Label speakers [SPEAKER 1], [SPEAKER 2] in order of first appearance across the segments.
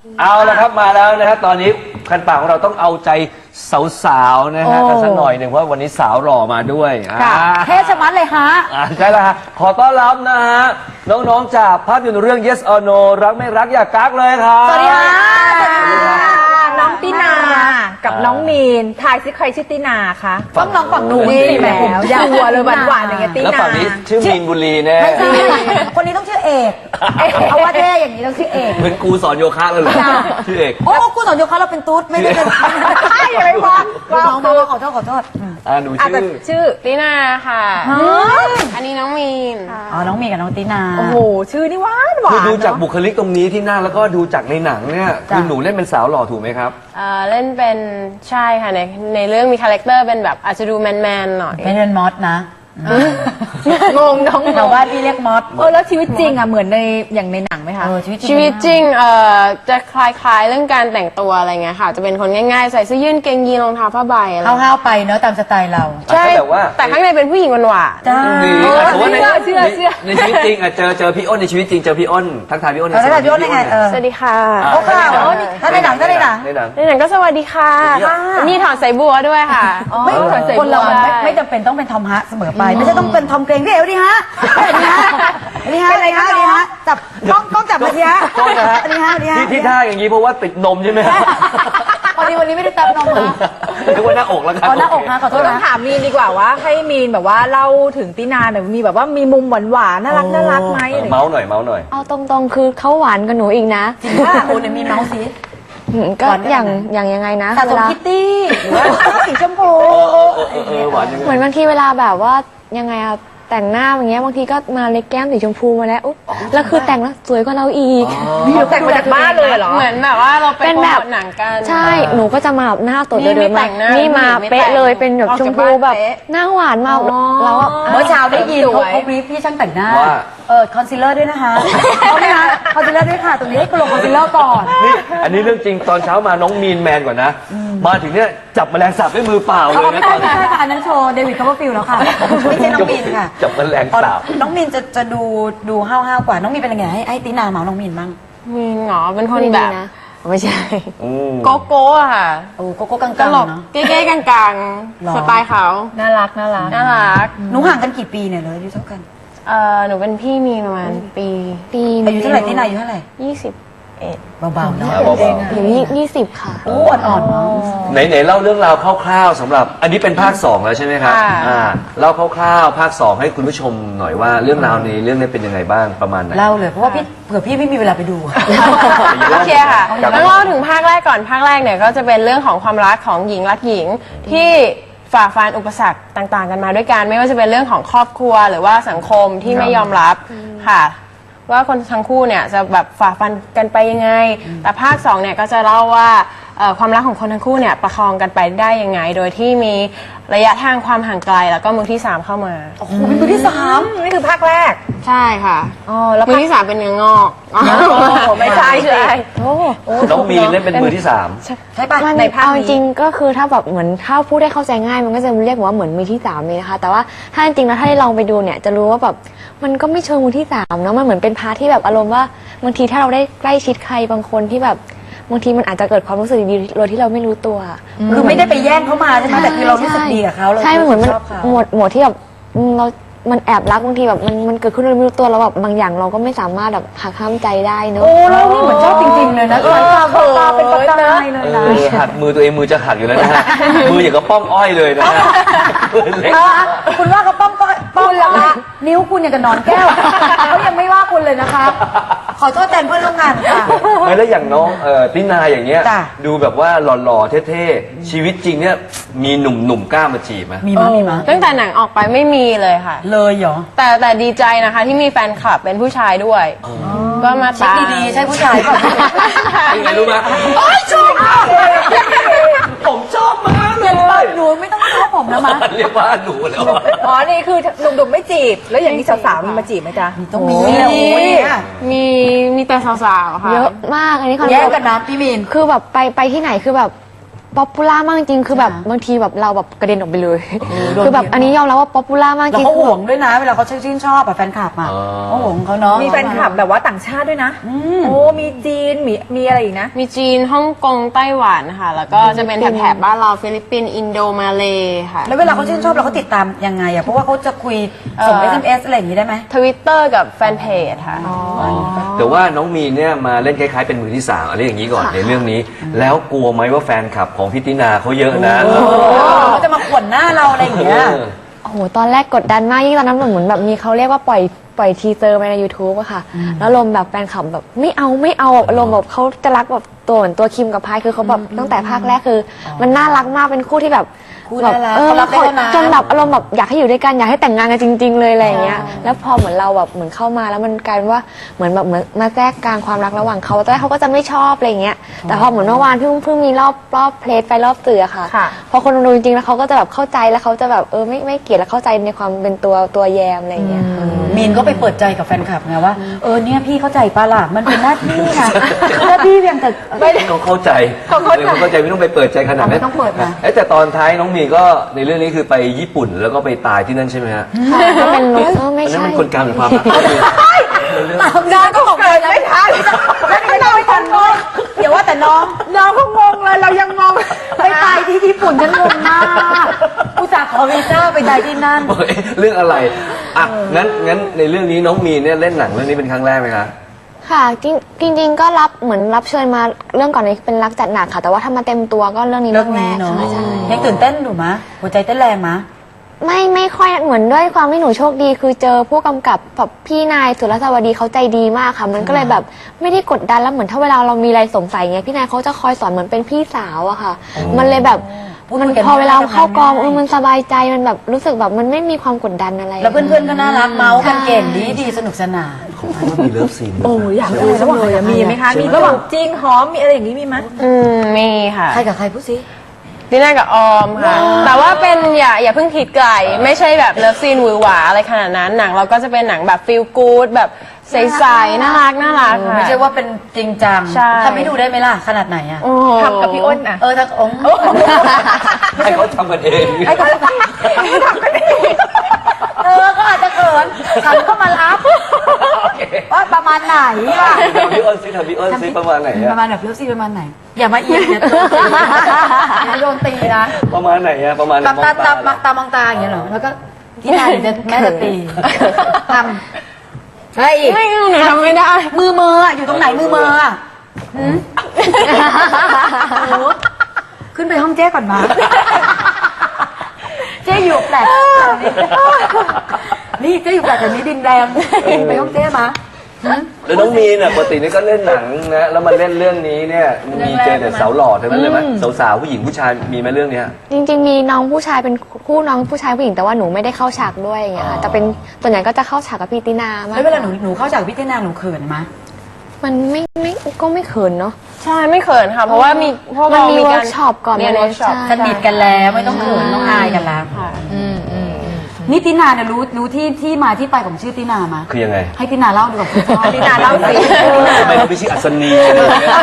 [SPEAKER 1] เอาละครับมาแล้วนะครับตอนนี้คันปากของเราต้องเอาใจสาวๆนะฮะกันสักหน่อยหนึ่งเพราะวันนี้สาวหล่อมาด้วย
[SPEAKER 2] เทชะมัดเลยฮะ
[SPEAKER 1] ใช่แล้วฮะขอต้อนรับนะฮะน้องๆจากภาพยนตร์เรื่อง Yes or No รักไม่รักอย่ากักเลยครับ
[SPEAKER 2] สวัสดีค่ะน้องตินากับน้องมีนทายซิใครชื่อตินาคะต้องน้องฝั่งนู้นนี่แหมยาวเลยหวานๆอย่างเงี้ยตินา
[SPEAKER 1] แล้วฝั่งนี้ชื่อมีนบุรีแน่
[SPEAKER 3] ไม่ใช่คนนี้ต้องชื่อเอกเอาว่าเท่อย่างนี้ต้องชื่อเอก
[SPEAKER 1] เหมือนครูสอนโยคะเลยเหรอชื่อเอก
[SPEAKER 3] โอ้กูสอนโยคะเราเป็นตุ๊ดไม่ได้เป็น
[SPEAKER 2] ใช่อะไรวะ
[SPEAKER 3] น้องมาขอโทษ
[SPEAKER 1] หนู
[SPEAKER 2] แต่
[SPEAKER 1] ชื่อ
[SPEAKER 2] ชื่อ
[SPEAKER 4] ตินาค่ะ อันนี้น้องมีน
[SPEAKER 3] อ๋อน้องมีกับน้องตินา
[SPEAKER 2] โอ้โหชื่อนี่หวานหวา
[SPEAKER 1] คือน ดูจากบุคลิกตรงนี้ที่หน้าแล้วก็ดูจากในหนังเนี่ยคือหนูเล่นเป็นสาวหล่อถูกไหมครับ
[SPEAKER 4] เล่นเป็นใช่ค่ะในเรื่องมีคาแรคเตอร์เป็นแบบอาจจะดูแมนๆหน่อย
[SPEAKER 3] ไม่เป็นมอสนะ
[SPEAKER 2] งงน้อง
[SPEAKER 3] แต่ว่าพี่เรียกมอส
[SPEAKER 2] แล้วชีวิตจริงอ่ะเหมือนในอย่างในหนังไหมคะ
[SPEAKER 4] ชีวิตจริงจะคล้ายๆเรื่องการแต่งตัวอะไรเงี้ยค่ะ จะเป็นคนง่ายๆ ใส่เสื้อยืดเกงยีนรองเท้าผ้าใบอะไร
[SPEAKER 3] ห้าวๆไปเนอะตามสไตล์เรา
[SPEAKER 4] ใช่
[SPEAKER 1] แต่ว่า
[SPEAKER 4] แต่ข้างในเป็นผู้หญิงหวาน
[SPEAKER 3] จ้า
[SPEAKER 1] แต่ว่าในชีวิตจริงเจอพี่อ้นในชีวิตจริงเจอพี่อ้นทักทายพี่อ้น
[SPEAKER 3] แล้วพี่อ้นยังไง
[SPEAKER 4] ๆสวัสดีค่ะ
[SPEAKER 3] โอ้ค่ะถ้าในหนัง
[SPEAKER 1] ในหนัง
[SPEAKER 4] ในหนังก็สวัสดีค่ะนี่ถอนสายบัวด้วยค่ะ
[SPEAKER 3] ไม่คนเราไม่จำเป็นต้องเป็นทอมฮะเสมอไปไม่ใช่ต้องเป็นทอมเกรงพี่เอ๋ดีฮะดีฮะจับต้องจับมาดีฮะ
[SPEAKER 1] โทษนะฮะ
[SPEAKER 3] ดีฮะ
[SPEAKER 1] ที่ท่าอย่างนี้เพราะว่าติดนมใช่ไหมฮะ
[SPEAKER 3] วันนี้ไม่ได้ตับนมมา
[SPEAKER 1] เรียกว่าหน้าอกแล้วครับ
[SPEAKER 3] หน้าอกนะขอโทษ
[SPEAKER 2] ต้อง
[SPEAKER 3] นะ
[SPEAKER 2] ถามมีนดีกว่าว่าให้มีนแบบว่าเล่าถึงตินาหน่อยมีแบบว่ามีมุมหวานๆน่ารักไหมอะไรอย่างเงี้ย
[SPEAKER 1] เมาส์หน่อย
[SPEAKER 5] เอาตรงๆ คือเขาหวานกับหนูอีกนะ
[SPEAKER 3] จริงว่าคุณมีเมาส์ซี
[SPEAKER 5] ก็
[SPEAKER 3] หวานได้
[SPEAKER 5] อย่างยังไงนะ
[SPEAKER 3] สะส
[SPEAKER 5] เว
[SPEAKER 3] ม
[SPEAKER 5] ลา
[SPEAKER 3] คิตตี้หรือว่าสีชมพู
[SPEAKER 1] หวานยังไง
[SPEAKER 5] เหมือนบางทีเวลาแบบว่ายังไงอะแต่งหน้าอย่างเงี้ยบางทีก็มาเล็กแก้มสีชมพูมาแล้วอุ๊ยแล้วคือแต่งแล้วสวยกว่าเราอีก
[SPEAKER 2] แต่งมาจากบ้านเลยเหรอ
[SPEAKER 4] เหมือนแบบว่าเราไป
[SPEAKER 5] เป็น
[SPEAKER 4] โปร
[SPEAKER 5] แบ
[SPEAKER 4] โม
[SPEAKER 5] บ
[SPEAKER 4] ทหนังกัน
[SPEAKER 5] ใช่หนูก็จะมาแบบหน้าตด
[SPEAKER 4] นี่
[SPEAKER 5] เดิน
[SPEAKER 4] ไม่แต่
[SPEAKER 5] มาง
[SPEAKER 4] หน้า
[SPEAKER 5] นี่มา
[SPEAKER 4] ไม่แต่ง
[SPEAKER 5] เป๊ะเลยเป็นแบบ
[SPEAKER 4] ออก
[SPEAKER 5] ชม
[SPEAKER 4] จาก
[SPEAKER 5] พู
[SPEAKER 4] บ้าน
[SPEAKER 5] แบบ
[SPEAKER 4] เป๊ะ
[SPEAKER 5] หน้าหวานมากเราก็
[SPEAKER 3] เมื่อเช้าได้ยินเขาบรีฟพี่ช่างแต่งหน้า
[SPEAKER 1] ว่า
[SPEAKER 3] คอนซีลเลอร์ด้วยนะคะเอาไหมคะคอนซีลเลอร์ด้วยค่ะตรงนี้ให้คุณลงคอนซีลเลอร์ก่อน
[SPEAKER 1] นี่อันนี้เรื่องจริงตอนเช้ามาน้องมีนแมนกว่านะ มาถึงเนี่ยจับแมลงสาบด้วยมือเปล่าเลยนะ
[SPEAKER 3] ไม่
[SPEAKER 1] ต
[SPEAKER 3] ใช่
[SPEAKER 1] อน
[SPEAKER 3] ไม่ใช่ค่ะอันนั้นโชว์เดวิดคัพเปอร์ฟิลด์แล้วค่ะไม่ใช่น้องมินค่ะ
[SPEAKER 1] จับแมลงสาบ
[SPEAKER 3] น้องมินจะดูห้าวๆกว่าน้องมินเป็นยังไงให้ตินาเมาน้องมินบ้าง
[SPEAKER 4] มีนเหรอเป็นคน
[SPEAKER 5] ดี
[SPEAKER 4] แบบ
[SPEAKER 5] นะไม่ใช่
[SPEAKER 4] โกโก้อะค่ะ
[SPEAKER 3] โอ้โกโก้กลาง
[SPEAKER 4] ตล
[SPEAKER 3] ๆ
[SPEAKER 4] ก
[SPEAKER 3] เนาะ
[SPEAKER 4] เก๊ๆกลาง
[SPEAKER 3] หรอ
[SPEAKER 4] ๆสไตล์เขา
[SPEAKER 2] น่ารัก
[SPEAKER 4] น่ารัก
[SPEAKER 3] หนูห่างกันกี่ปีเนี่ยเลยอายุเท่ากัน
[SPEAKER 4] หนูเป็นพี่มีประมาณปี
[SPEAKER 3] อายุเท่าไหร่ตินาอายุเท่าไหร่
[SPEAKER 4] 20
[SPEAKER 3] เบาๆเนาะ
[SPEAKER 5] อยู่20ค่ะ
[SPEAKER 3] โอ้อ่อนๆเนาะ
[SPEAKER 1] ไหนเล่าเรื่องราวคร่าวๆสำหรับอันนี้เป็นภาค 2 แล้วใช่ไหมครับ
[SPEAKER 4] ค่ะ
[SPEAKER 1] เล่าคร่าวๆภาค 2 ให้คุณผู้ชมหน่อยว่าเรื่องราวในเรื่องนี้เป็นยังไงบ้างประมาณไหน
[SPEAKER 3] เล่าเลยเพราะว่าพี่เผื่อพี่ไม่มีเวลาไปดู
[SPEAKER 4] โอเคค่ะ
[SPEAKER 1] ครับ
[SPEAKER 4] แล้วเล่าถึงภาคแรกก่อนภาคแรกเนี่ยก็จะเป็นเรื่องของความรักของหญิงรักหญิงที่ฝ่าฟันอุปสรรคต่างๆ กันมาด้วยกันไม่ว่าจะเป็นเรื่องของครอบครัวหรือว่าสังคมที่ไม่ยอมรับค่ะ ว่าคนทั้งคู่เนี่ยจะแบบฝ่าฟันกันไปยังไง แต่ภาค2เนี่ยก็จะเล่าว่าความรักของคนทั้งคู่เนี่ยประคองกันไปได้ยังไง โดยที่มีระยะทางความห่างไกลแล้วก็มือที่ 3 เข้ามา
[SPEAKER 3] โอ้โหเป็นมือที่สาม
[SPEAKER 2] นี่คือภาคแรก
[SPEAKER 4] ใช่ค่ะ
[SPEAKER 2] แล้ว
[SPEAKER 4] มือที่ 3 เป็นเนื้องอก
[SPEAKER 2] ไม่ใช่สิ
[SPEAKER 1] น้องมีนเล่นเป็นมือที่
[SPEAKER 3] ใช่ปะ
[SPEAKER 5] มัน
[SPEAKER 2] ในภาคนี้
[SPEAKER 5] เอาจริงๆก็คือถ้าแบบเหมือนถ้าพูดได้เข้าใจง่ายมันก็จะเรียกว่าเหมือนมือที่สามเลยนะคะแต่ว่าถ้าจริงๆแล้วถ้าได้ลองไปดูเนี่ยจะรู้ว่าแบบมันก็ไม่เชิงมือที่สามเนาะมันเหมือนเป็นพาร์ทที่แบบอารมณ์ว่าบางทีถ้าเราได้ใกล้ชิดใครบางคนที่แบบบางทีมันอาจจะเกิดความรู้สึกดีๆโดยที่เราไม่รู้ตัว
[SPEAKER 3] คือไม่ได้ไปแย่งเขามาใช่ไหมแต่คือเรารู้สึกดีกับเขาเรา
[SPEAKER 5] ใช่มันเหมือนมัน
[SPEAKER 3] ชอบเขา
[SPEAKER 5] หมวดที่แบบเรามันแอบรักบางทีแบบมันเกิดขึ้นโดยไม่รู้ตัวแล้วแบบบางอย่างเราก็ไม่สามารถแบบหักห้ามใจได้เนอะ
[SPEAKER 3] โอ้แล้วนี่เหมือนชอบจริงๆเลยนะสายตาเบิกตาเป็นประกายเลยนะ
[SPEAKER 1] หักมือตัวเองมือจะหักอยู่แล้วนะฮะ มืออย่างกับป้อมอ้อยเลยนะฮะมือเล็ก
[SPEAKER 3] คุณว่าเขาป้อมละคะนิ้วคุณอย่างกับหนอนแก้วเขายังไม่ว่าคุณเลยนะคะ ขอโทษแทนเพื่อนร่วมงานค่ะ
[SPEAKER 1] ไม่แล้วอย่างน้องตินาอย่างเงี้ย
[SPEAKER 3] จ้ะ
[SPEAKER 1] ดูแบบว่าหล่อๆเท่ๆชีวิตจริงเนี่ยมีหนุ่มๆกล้ามาจีบไหม
[SPEAKER 3] มีมั้ยมีมั้ย
[SPEAKER 4] ตั้งแต่หนังออกไปไม่มีเลยค่ะ
[SPEAKER 3] เลยเหรอ
[SPEAKER 4] แต่ดีใจนะคะที่มีแฟนคลับเป็นผู้ชายด้วย ก็มา
[SPEAKER 3] เช็ค
[SPEAKER 4] ตาม
[SPEAKER 3] ดีๆใช่ผู้ชายเปล่า
[SPEAKER 1] เป็นไงรู้ไหมผมชอบมากเลย
[SPEAKER 3] หนูไม่ต้องชอบผมนะมะ
[SPEAKER 1] เรียกว่าหนูแล้วอะ
[SPEAKER 2] อ๋อ นี่คือหนุ่มๆไม่จีบ แล้วอย่างนี้สาวๆมีมาจีบไหมจ๊ะ
[SPEAKER 3] ต้องมี
[SPEAKER 4] มีแต่สาวๆค่ะ
[SPEAKER 5] เยอะมากอันนี้คอน
[SPEAKER 3] แย่
[SPEAKER 5] เฟิ
[SPEAKER 3] ง
[SPEAKER 5] ร์ม
[SPEAKER 3] กันนะพี่มีน
[SPEAKER 5] คือแบบไปที่ไหนคือแบบป๊อปปูล่ามากจริงคือแบบบางทีแบบเราแบบกระเด็นออกไปเลย คือแบบอันนี้ยอมรับว่าป๊อปปูล่ามากจ
[SPEAKER 3] แล้ว
[SPEAKER 5] ริง
[SPEAKER 3] เขาห่วงด้วยนะ เวลาเขาชื่นชอบอะแฟนคลับอะ
[SPEAKER 1] อ๋อ
[SPEAKER 3] เขาห่วงเขาเนาะ
[SPEAKER 2] มีแฟนคลับแบบว่าต่างชาติด้วยนะโอ้มีจีนมีอะไรอีกนะ
[SPEAKER 4] มีจีนฮ่องกงไต้หวันค่ะ แล้วก็จะเป็นแถบบ้านเราฟิลิปปินส์อินโดมาเลค่ะ
[SPEAKER 3] แล้วเวลาเขาชื่นชอบเราเขาติดตามยังไงอะเพราะว่าเขาจะคุยส่ง SMS อะไรอย่างนี้ได้ไหม
[SPEAKER 4] Twitter กับแฟนเพจค่ะ
[SPEAKER 1] แต่ว่าน้องมีนเนี่ยมาเล่นคล้ายๆเป็นมือที่สามอะไรอย่างนี้ก่อนในเรื่องนี้ แล้วกลัวไหมว่าแฟนคลับของพี่ตินาเขาเยอะนะ
[SPEAKER 3] เขาจะมาขวนหน้าเราอะไรอย่างเงี้ย
[SPEAKER 5] โอ้โหตอนแรกกดดันมากยิ่งตอนนั้นเหมือนแบบมีเขาเรียกว่าปล่อยทีเซอร์ไปใน YouTube อะค่ะแล้วลมณ์แบบแฟนคลับแบบไม่เอาแบบอารมณ์แบบเขาจะรักแบบตัวเหมือนตัวคิมกับพายคือเขาแบบตั้งแต่ภาคแรกคือมันน่ารักมากเป็นคู่ที่แบบ
[SPEAKER 3] คู่
[SPEAKER 5] แบบ
[SPEAKER 3] น่ารัก
[SPEAKER 5] เออ
[SPEAKER 3] เขารักได้เท่านั้น
[SPEAKER 5] จนแบบอารมณ์แบบอยากให้อยู่ด้วยกันอยากให้แต่งงานกันจริง ๆ เลยอะไรอย่างเงี้ยแล้วพอเหมือนเราแบบเหมือนเข้ามาแล้วมันกลายเป็นว่าเหมือนมาแทรกกลางความรักระหว่างเขาตอนแรกเขาก็จะไม่ชอบอะไรอย่างเงี้ยแต่พอเหมือนเมื่อวานเพิ่งมีรอบเพลทไปรอบสื่ออะค่ะ
[SPEAKER 2] ค่ะ
[SPEAKER 5] พอคนดูจริงๆแล้วเขาก็จะแบบเข้าใจแล้วเขาจะแบบไม่เกลียดแล้วเข้าใจในความเป็นตัวแยมอะไรอย่างเงี้ย
[SPEAKER 3] มีนก็ไปเปิดใจกับแฟนคลับไงว่าเนี่ยพี่เข้าใจปะล่ะมันเป็นหน้าที่นะหน้าที่เพียงแต่
[SPEAKER 1] เขาเข้าใจเขาเข้าใจไม่ต้องไปเปิดใจขนาดนั้น
[SPEAKER 3] ไม่ต้องเปิดนะ
[SPEAKER 1] แต่ตอนท้ายน้องมีนก็ในเรื่องนี้คือไปญี่ปุ่นแล้วก็ไปตายที่นั่นใช่ไหมฮะ
[SPEAKER 5] ก็เป็นไม่
[SPEAKER 1] อันนั้น
[SPEAKER 5] ใช่
[SPEAKER 1] มันคนกลางหรือความรัก
[SPEAKER 3] น้องก็บอกเลยไม่ทันแล้วนี่น้องไม่ทันเลยเดี๋ยวว่าแต่น้องก็งงเลยเรายังงงไปตายที่ญี่ปุ่นฉันงงมากอุตส่าห์ขอวีซ่าไปตายที่นั่น
[SPEAKER 1] เรื่องอะไรอ่ะงั้นในเรื่องนี้น้องมีนเนี่ยเล่นหนังเรื่องนี้เป็นครั้งแรกไหมคะ
[SPEAKER 5] ค่ะจริงๆก็เหมือนรับเชิญมาเรื่องก่อนนี้เป็นรักจัดหนักค่ะ แต่ว่าถ้ามาเต็มตัวก็เรื่องนี้
[SPEAKER 3] เรื่
[SPEAKER 5] เรื่
[SPEAKER 3] อ
[SPEAKER 5] อง งแร
[SPEAKER 3] นี้
[SPEAKER 5] ก
[SPEAKER 3] เนาะ
[SPEAKER 5] ค่ะใช่
[SPEAKER 3] ยังตื่นเต้นอยู่มะหัวใจเต้นแรงมะ
[SPEAKER 5] ไม่ค่อยเหมือนด้วยความที่หนูโชคดี คือเจอผู้กำกับแบบพี่นายสุรสวัสดีเขาใจดีมากค่ะ มันก็เลยแบบไม่ได้กดดันแล้วเหมือนถ้าเวลาเรามีอะไรสงสัยเงี้ยพี่นายเขาจะคอยสอนเหมือนเป็นพี่สาวอะค่ะ มันเลยแบบมันพอเวลาเข้ากองมันสบายใจมันแบบรู้สึกแบบมันไม่มีความกดดันอะไร
[SPEAKER 3] แล้วเพื่อนๆก็น่ารักเมาส์กันเก่งดีสนุกสนาน
[SPEAKER 1] ของเขาก็มีเลิฟซีนด้วย
[SPEAKER 2] โอ้อยากดูระหว่างเลยมีไหมคะมีระหว่างจริงหอมมีอะไรอย่างนี้มีไหม
[SPEAKER 4] มีค่ะ
[SPEAKER 3] ใครกับใครพูดสิ
[SPEAKER 4] ดิน่ากับออมค่ะ แต่ว่าเป็นอย่าเพิ่งคิดไกล ไม่ใช่แบบเลิฟซีนหวือหวาอะไรขนาดนั้นหนังเราก็จะเป็นหนังแบบฟีลกู๊ดแบบใสๆน่ารักค่ะ
[SPEAKER 3] ไม่ใช่ว่าเป็นจริงจัง
[SPEAKER 4] ใช่
[SPEAKER 3] ทำให้ดูได้ไหมล่ะขนาดไหนอะ
[SPEAKER 4] โอ้โห
[SPEAKER 2] ทำกับพี่อ้นอ่ะ
[SPEAKER 3] ถ้าองค์
[SPEAKER 1] ให้เขาทำกันเอง
[SPEAKER 3] ก็อาจจะเขินฉันก็มารับว่าประมาณไหนล่ะ
[SPEAKER 1] ทำพี่อ้นซิประมาณไหน
[SPEAKER 3] ป
[SPEAKER 1] อะ
[SPEAKER 3] ระมาณแบบเลิฟซีนประมาณไหน อย่ามาเอียงอย่าโดนตีนะ
[SPEAKER 1] ประมาณไหนอะประมาณ
[SPEAKER 3] ตามองตาอย่างเงี้ยเหรอแล้วก็ที่ไหนจะแม่จะตีทำอะไรอีก
[SPEAKER 4] ไม่หนูทำไม่ได้
[SPEAKER 3] มืออยู่ตรงไหนมืออะหืมโอ้ขึ้นไปห้องเจ๊ก่อนมาเจ๊อยู่แปลกนี่เจ๊อยู่แปลกแต่นี้ดินแดงไปห้องเจ๊มา
[SPEAKER 1] แล้วน้องมีนอะปกตินี่ก็เล่นหนังนะแล้วมาเล่นเรื่องนี้เนี่ยมีเจอแต่สาวหล่อทั้งนั้นเลยไหมสาวๆผู้หญิงผู้ชายมีไหมเรื่องเนี้ย
[SPEAKER 5] จริงๆมีน้องผู้ชายเป็นคู่น้องผู้ชายผู้หญิงแต่ว่าหนูไม่ได้เข้าฉากด้วยอย่างเงี้ยค่ะแต่เป็นส่วนใหญ่ก็จะเข้าฉากกับพี่ตินามาก
[SPEAKER 3] แล้วเวลาหนูเข้าจากพี่เต้นาหนูเขินไหม
[SPEAKER 5] มันไม่ก็ไม่เขินเนาะ
[SPEAKER 4] ใช่ไม่เขินค่ะ เพราะว่ามีพวก
[SPEAKER 5] มัน
[SPEAKER 4] เรา
[SPEAKER 5] มี
[SPEAKER 4] มี
[SPEAKER 5] เวิ
[SPEAKER 4] กา
[SPEAKER 5] ร์
[SPEAKER 4] ร
[SPEAKER 5] กช็อปก่อน
[SPEAKER 4] เรียน
[SPEAKER 5] มา
[SPEAKER 4] เวิร์กช็อป
[SPEAKER 5] ใช่
[SPEAKER 3] สนิทกันแล้วไม่ต้องเขินต้องอายกันแล้ว
[SPEAKER 4] ค่ะ
[SPEAKER 3] นี่ตินาเนี่ยรู้ที่มาที่ไปของชื่อตินามา
[SPEAKER 1] คือยังไง
[SPEAKER 3] ให้ตินาเล่าดีกว่าคุณพ่อ
[SPEAKER 2] ตินาเล่าสิ
[SPEAKER 1] ทำไมเขาไม่ชื่ออัศนีอะไรอย่างเงี้ย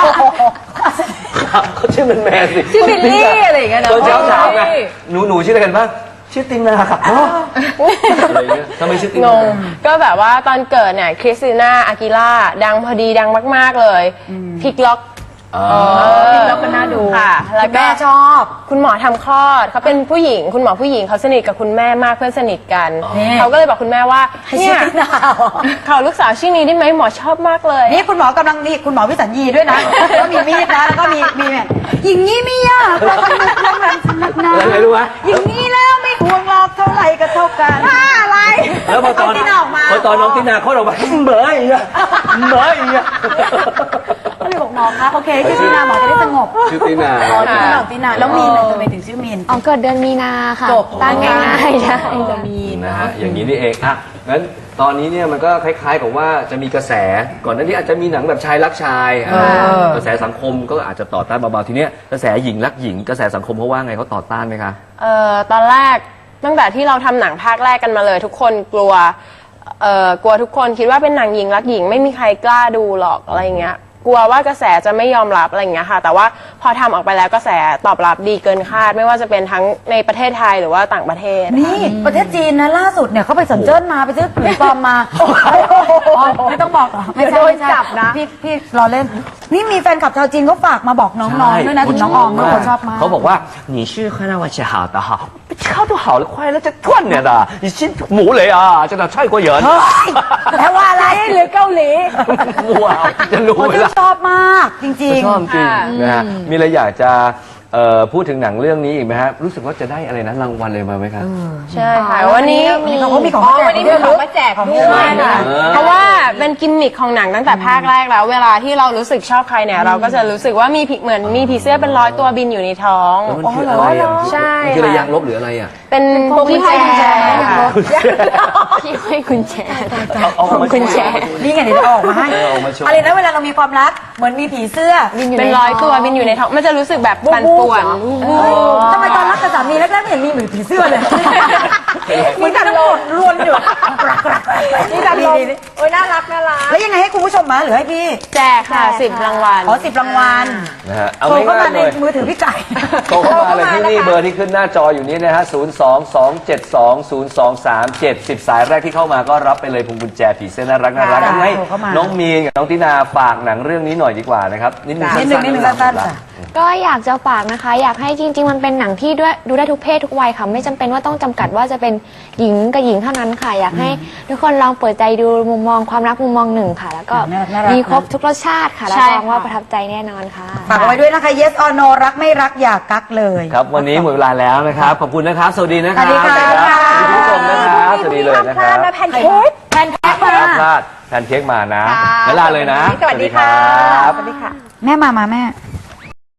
[SPEAKER 1] เขาชื่อแมนๆสิ
[SPEAKER 2] ชื่อบิลลี่อะไรอย่างเงี้ยนะ
[SPEAKER 1] ตอนเช้าถามไงหนูชื่ออะไรกันบ้างชื่อตินาครับพ่ออะไรอย่างเงี้ยทำไมชื่อติ
[SPEAKER 4] ง
[SPEAKER 1] นาง
[SPEAKER 4] ก็แบบว่าตอนเกิดเนี่ยคริสติน่าอากิล่าดังพอดีดังมากๆเลยพลิกล็อก
[SPEAKER 1] อ๋อ
[SPEAKER 2] แล้วก็น่าดู
[SPEAKER 4] ค่ะ แล้วก็
[SPEAKER 3] แม่ชอบ
[SPEAKER 4] คุณหมอทำคลอดเขาเป็นผู้หญิงคุณหมอผู้หญิงเขาสนิทกับคุณแม่มากเพื่อนสนิทกัน
[SPEAKER 3] นี่
[SPEAKER 4] เขาก็เลยบอกคุณแม่ว่า
[SPEAKER 3] ให้
[SPEAKER 4] เนี่
[SPEAKER 3] ชื่อย ตินา
[SPEAKER 4] เขาลูกสาวชื่อนี้ได้ไหมหมอชอบมากเลย
[SPEAKER 3] นี่คุณหมอกำลังนี่คุณหมอวิสัญญีด้วยนะแล้วมีมีดนะแล้วก็มีแบบอย่างนี้ไม่ยากเราต้องนึกต้องนั้นสนักนะ
[SPEAKER 1] อะไรรู้ไหม
[SPEAKER 3] อย่างนี้แล้วไม่ห่วงหรอกเท่าไหร่ก็เท่ากันอะไร
[SPEAKER 1] แล้วพอตอน
[SPEAKER 3] เาตินาออกมา
[SPEAKER 1] พอตอนน้องตินาเขาออกมาเบยอ่ะเบยอ่ะ
[SPEAKER 3] ก็เลยบอกหมอคะโอเคชื่อตินาหมอจะได้สงบ
[SPEAKER 1] ชื่อตินา
[SPEAKER 3] อ๋อชื่อตินาแล้วมีนทำไมถึงชื่อมีน
[SPEAKER 5] อ๋อเกิดเดือนมีนาค่ะ
[SPEAKER 3] จบ
[SPEAKER 5] ตั้งง่ายๆใช่
[SPEAKER 1] นะฮะอย่างนี้นี่เองอ่ะงั้นตอนนี้เนี่ยมันก็คล้ายๆกับว่าจะมีกระแสก่อนหน้านี้อาจจะมีหนังแบบชายรักชายกระแสสังคมก็อาจจะต่อต้านเบาๆทีเนี้ยกระแสหญิงรักหญิงกระแสสังคมเขาว่าไงเขาต่อต้านไหมคะ
[SPEAKER 4] ตอนแรกตั้งแต่ที่เราทำหนังภาคแรกกันมาเลย ทุกคนกลัวกลัวทุกคนคิดว่าเป็นหนังหญิงรักหญิงไม่มีใครกล้าดูหรอกอะไรอย่างเงี้ยกลัวว่ากระแสจะไม่ยอมรับอะไรอย่างเงี้ยค่ะ แต่ว่าพอทำออกไปแล้วกระแสตอบรับดีเกินคาด ไม่ว่าจะเป็นทั้งในประเทศไทยหรือว่าต่างประเทศ
[SPEAKER 3] นี่ประเทศจีนนะล่าสุดเนี่ยเขาไปสัญเจิ้นมาไปซื้อถุงปลอมมาอ๋อไม่ต้องบอกหรอไม่ใช่
[SPEAKER 2] เดี๋ยวโดนจับนะ
[SPEAKER 3] พี่รอเล่น นี่มีแฟนคลับชาวจีนเขาฝากมาบอกน้องๆด้วยนะถึงน้องออมด้วยเขาชอบมาก
[SPEAKER 1] เขาบอกว่า你是河南话是好的哈超都好了快乐这断了的你是母雷啊真的泰国人
[SPEAKER 3] แปลว่าอะไร
[SPEAKER 2] หรือเกาหลี
[SPEAKER 1] มัวจะรู้
[SPEAKER 3] เขา
[SPEAKER 1] ไหม
[SPEAKER 3] ชื่น
[SPEAKER 1] ล่ะ
[SPEAKER 3] ชอบมากจริง
[SPEAKER 1] ชอบจริงนะฮะมีอะไรอยากจะพูดถึงหนังเรื่องนี้อีกไหมฮะรู้สึกว่าจะได้อะไรนะรางวัลเลยมาไหมครับ
[SPEAKER 4] ใช่ค่ะวันนี้
[SPEAKER 3] ๆเขามีของ
[SPEAKER 2] อ๋อ
[SPEAKER 3] แจก
[SPEAKER 2] วันนี้มีของมาแจกด้วย
[SPEAKER 4] ค่ะ
[SPEAKER 1] เออ
[SPEAKER 4] เพราะว่าเป็นกิมมิคของหนังตั้งแต่ภาคแรกแล้ว เวลาที่เรารู้สึกชอบใครเนี่ยเราก็จะรู้สึกว่ามีผีเหมือนมีผีเสื้อเป็น100 ตัวบินอยู่ในท้อง
[SPEAKER 1] แล้วมันคืออะไรอ่ะ
[SPEAKER 4] ใช่
[SPEAKER 1] มันคืออะไรยางลบหรืออะไรอ่ะ
[SPEAKER 4] เป็นที่ห้อยกุญแจค่ะ
[SPEAKER 5] ที่ให้กุญแจ
[SPEAKER 1] เอามา
[SPEAKER 5] กุญแจ
[SPEAKER 3] นี่ไงเดี๋ยวจะออกมาให้
[SPEAKER 1] ออกมาโชว์
[SPEAKER 3] อะไรนะเวลาเรามีความรักเหมือนมีผีเสื้อ
[SPEAKER 4] เป็น100 ตัวบินอยู่ในท้องมันจะรู้สึกแบบปั่นป่วน
[SPEAKER 3] ทำไมตอนรักกับสามีแรกๆไม่เห็นมีเหมือนผีเสื้อเลยเหมือนกันหมดรวนอยู่
[SPEAKER 2] นี่ดันลมโอ้ยน่ารักน่ารัก
[SPEAKER 3] แล้วยังไงให้คุณผู้ชมมาหรือให้พี่
[SPEAKER 4] แจกค่ะ10 รางวัล
[SPEAKER 3] ขอ10 รางวัล
[SPEAKER 1] นะฮะเอา
[SPEAKER 3] โทรเข้า
[SPEAKER 1] ง่า
[SPEAKER 3] มา
[SPEAKER 1] ๆ
[SPEAKER 3] ใน
[SPEAKER 1] เลย
[SPEAKER 3] มือถือพี่ไก่
[SPEAKER 1] โทรเข้ามาเลยที่นี่เบอร์ที่ขึ้นหน้าจออยู่นี้นะฮะ 022720237 10 สายแรกที่เข้ามาก็รับไปเลยพวงกุญแจผีเสื้อน่ารักงั้นให้
[SPEAKER 3] โทรเข้ามา
[SPEAKER 1] น้องมีนกับน้องตินาฝากหนังเรื่องนี้หน่อยดีกว่านะครับนิดนึง
[SPEAKER 3] นิดนึงสั้นๆจ้ะ
[SPEAKER 5] ก็อยากจะฝากนะคะ อยากให้จริง ๆ มันเป็นหนังที่ด้วยดูได้ทุกเพศทุกวัยค่ะ ไม่จำเป็นว่าต้องจำกัดว่าจะเป็นหญิงกับหญิงเท่านั้นค่ะ อยากให้ทุกคนลองเปิดใจดูมุมมองความรักมุมมองหนึ่งค่ะ แล้วก็
[SPEAKER 3] น่ารัก
[SPEAKER 5] มีครบทุกรสชาติค่ะรับ
[SPEAKER 4] ใช่
[SPEAKER 5] รองว่า
[SPEAKER 4] ค่ะ
[SPEAKER 5] ประทับใจแน่นอนค่ะ
[SPEAKER 3] ฝากเอาไว้ด้วยนะคะ yes or no รักไม่รักอย่ากักเลย
[SPEAKER 1] ครับวันนี้หมดเวลาแล้วนะครับ ขอบคุณนะครับ สวัสดีนะครับ
[SPEAKER 3] สวัสดีค่ะ
[SPEAKER 1] คุณผู้ชมนะครับสวัสดีเลยนะครับ
[SPEAKER 2] แพนเค้ก
[SPEAKER 3] แพนเค้กมา
[SPEAKER 1] พลาดแพนเค้กมานะแล้วลาเลยนะ
[SPEAKER 2] สวัสดีค่ะ
[SPEAKER 1] รับ
[SPEAKER 2] สวัสดีค่ะ
[SPEAKER 3] แม่มาแม่